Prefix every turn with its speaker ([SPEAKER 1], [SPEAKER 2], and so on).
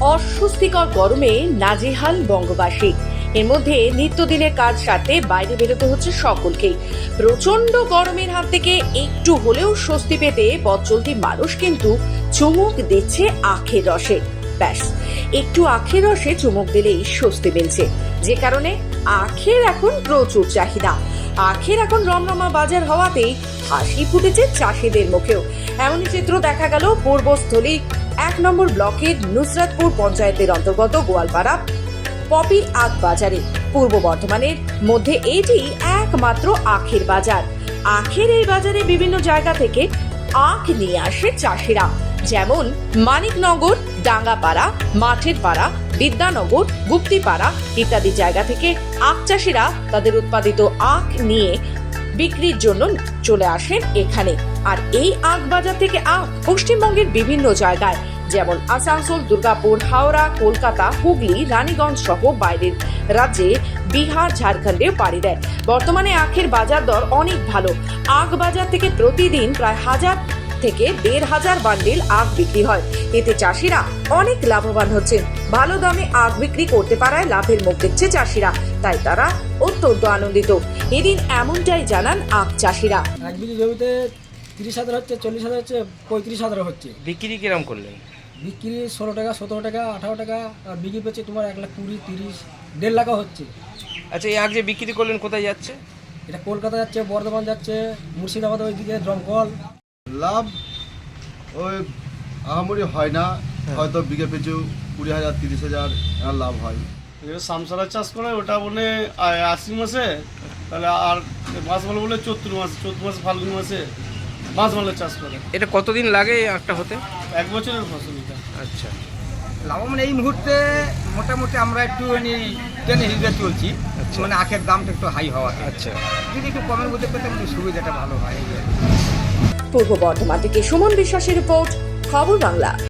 [SPEAKER 1] অস্বস্তিকর গরমে নাজেহাল বঙ্গবাসী। এর মধ্যে নিত্যদিনের কাজ সারতে বাইরে বেরোতে হচ্ছে সকলকেই। প্রচন্ড গরমের হাত থেকে একটু হলেও স্বস্তি পেতে পথ চলতি মানুষ কিন্তু চুমুক দিচ্ছে আখের রসে। ব্যাস, একটু আখের রসে চুমুক দিলেই স্বস্তি মিলছে, যে কারণে আখের এখন প্রচুর চাহিদা। আখের এখন রমরমা বাজার হওয়াতেই হাসি ফুটেছে চাষিদের মুখেও। এমনই চিত্র দেখা গেল পূর্বস্থলী 1 নম্বর ব্লকের নুসরাতপুর পঞ্চায়েতের অন্তর্গত গোয়ালপাড়া পপি আখ বাজারে। পূর্ব বর্ধমানের মধ্যে এটি একমাত্র আখের বাজার। আখের এই বাজারে বিভিন্ন জায়গা থেকে আখ নিয়ে আসে চাষিরা, যেমন মানিকনগর, ডাঙ্গাপাড়া, মাঠের পাড়া, বিদ্যানগর, গুপ্তিপাড়া ইত্যাদি জায়গা থেকে আখ চাষিরা তাদের উৎপাদিত আখ নিয়ে বিক্রির জন্য চলে আসেন এখানে। আর এই আখ বাজার থেকে আখ পশ্চিমবঙ্গের বিভিন্ন জায়গায় যেমন আসানসোল, দুর্গাপুর, হাওড়া, কলকাতা, হুগলি, রানীগঞ্জ সহ বাইরের রাজ্যে বিহার, ঝাড়খণ্ডে পাড়ি দেয়। বর্তমানে আখের বাজার দর অনেক ভালো। আখ বাজার থেকে প্রতিদিন প্রায় 1000 থেকে 1500 বান্ডিল আখ বিক্রি হয়। এতে চাষিরা অনেক লাভবান হচ্ছেন। ভালো দামে আখ বিক্রি করতে পারায় লাভের মুখ দেখছে চাষিরা, তাই তারা অত্যন্ত আনন্দিত। এদিন এমনটাই জানান আখ চাষিরা।
[SPEAKER 2] এক বিঘি জমিতে 30,000 হচ্ছে, 40,000 হচ্ছে, 35,000 হচ্ছে।
[SPEAKER 3] বিক্রি কিরম করলেন?
[SPEAKER 2] বিক্রি 16 টাকা, 17 টাকা, 18 টাকা, আর বিঘি পেয়েছে তোমার 1,20,000, 30, 1.5 লাখও হচ্ছে।
[SPEAKER 3] আচ্ছা, এই আখ যে বিক্রি করলেন কোথায় যাচ্ছে?
[SPEAKER 2] এটা কলকাতা যাচ্ছে, বর্ধমান যাচ্ছে, মুর্শিদাবাদ, ওইদিকে দমকল।
[SPEAKER 4] লাভ ওই আহামরি হয় না, হয়তো বিঘে পিছু 20,000 30,000 লাভ হয়।
[SPEAKER 5] যেটা সামসারা চাষ করে ওটা বলে আশ্বিন মাসে, তাহলে আর মাছ বলে বলে চৈত্র মাসে ফাল্গুন মাসে মাছ মালের চাষ করে।
[SPEAKER 3] এটা কতদিন লাগে এই আখটা হতে?
[SPEAKER 5] 1 বছরের ফসল এটা।
[SPEAKER 3] আচ্ছা,
[SPEAKER 6] লাভবান এই মুহূর্তে মোটামুটি আমরা একটু টেনে হিসেবে চলছি, মানে আখের দামটা একটু হাই হওয়া।
[SPEAKER 3] আচ্ছা,
[SPEAKER 6] যদি একটু কমের মধ্যে পেতাম একটু সুবিধাটা ভালো হয়।
[SPEAKER 1] পূর্ব বর্ধমান থেকে সুমন বিশ্বাসের রিপোর্ট, খবর বাংলা।